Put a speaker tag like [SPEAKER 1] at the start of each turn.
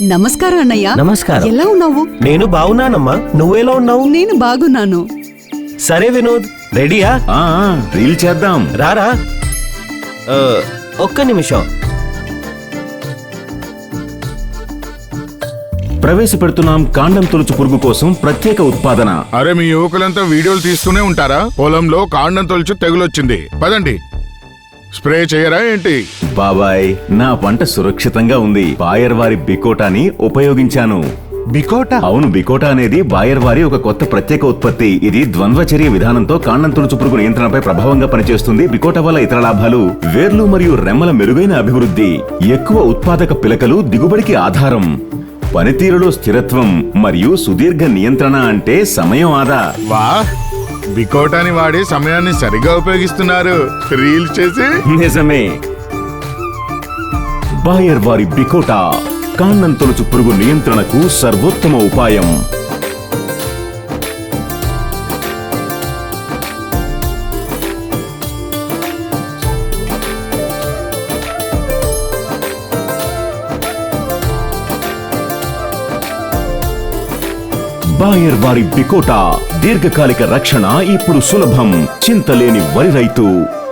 [SPEAKER 1] నమస్కారం అన్నయ్య.
[SPEAKER 2] నమస్కారం.
[SPEAKER 1] ఎలా ఉన్నావు?
[SPEAKER 2] నేను బాగున్నానమ్మా, నువ్వెలా ఉన్నావు?
[SPEAKER 1] నేను బాగున్నాను.
[SPEAKER 2] సరే వినోద్, రెడీయా?
[SPEAKER 3] రీల్ చేద్దాం.
[SPEAKER 2] రారా. ఒక్క నిమిషం.
[SPEAKER 3] ప్రవేశపెడుతున్నాం కాండం తొలుచు పురుగు కోసం ప్రత్యేక ఉత్పాదన.
[SPEAKER 4] అరే మీ యువకులంతా వీడియోలు తీస్తూనే ఉంటారా? పొలంలో కాండం తొలుచు తెగులొచ్చింది, పదండి. స్ప్రే చేయరా ఏంటి?
[SPEAKER 3] బాబాయ్, నా పంట సురక్షితంగా ఉంది. బాయర్ వారి బికోటాని ఉపయోగించాను.
[SPEAKER 4] బికోటా?
[SPEAKER 3] అవును, బికోటా అనేది బాయర్ వారి ఒక కొత్త ప్రత్యేక ఉత్పత్తి. ఇది ద్వంద్వచర్య విధానంతో కాండం తొలుచు పురుగు నియంత్రణపై ప్రభావంగా పనిచేస్తుంది. బికోటా వల్ల ఇతర లాభాలు: వేర్లు మరియు రెమ్మల మెరుగైన అభివృద్ధి, ఎక్కువ ఉత్పాదక పిలకలు దిగుబడికి ఆధారం, పనితీరులో స్థిరత్వం మరియు సుదీర్ఘ నియంత్రణ అంటే సమయం ఆదా.
[SPEAKER 4] వా, బికోటాని వాడి సమయాన్ని సరిగా ఉపయోగిస్తున్నారు. రీల్ చేసి.
[SPEAKER 3] నిజమే. బాయర్ వారి బికోటా కాండం తొలుచు పురుగు నియంత్రణకు సర్వోత్తమ ఉపాయం. బాయర్ వారి బికోటా దీర్ఘకాలిక రక్షణ ఇప్పుడు సులభం. చింతలేని వరి రైతు.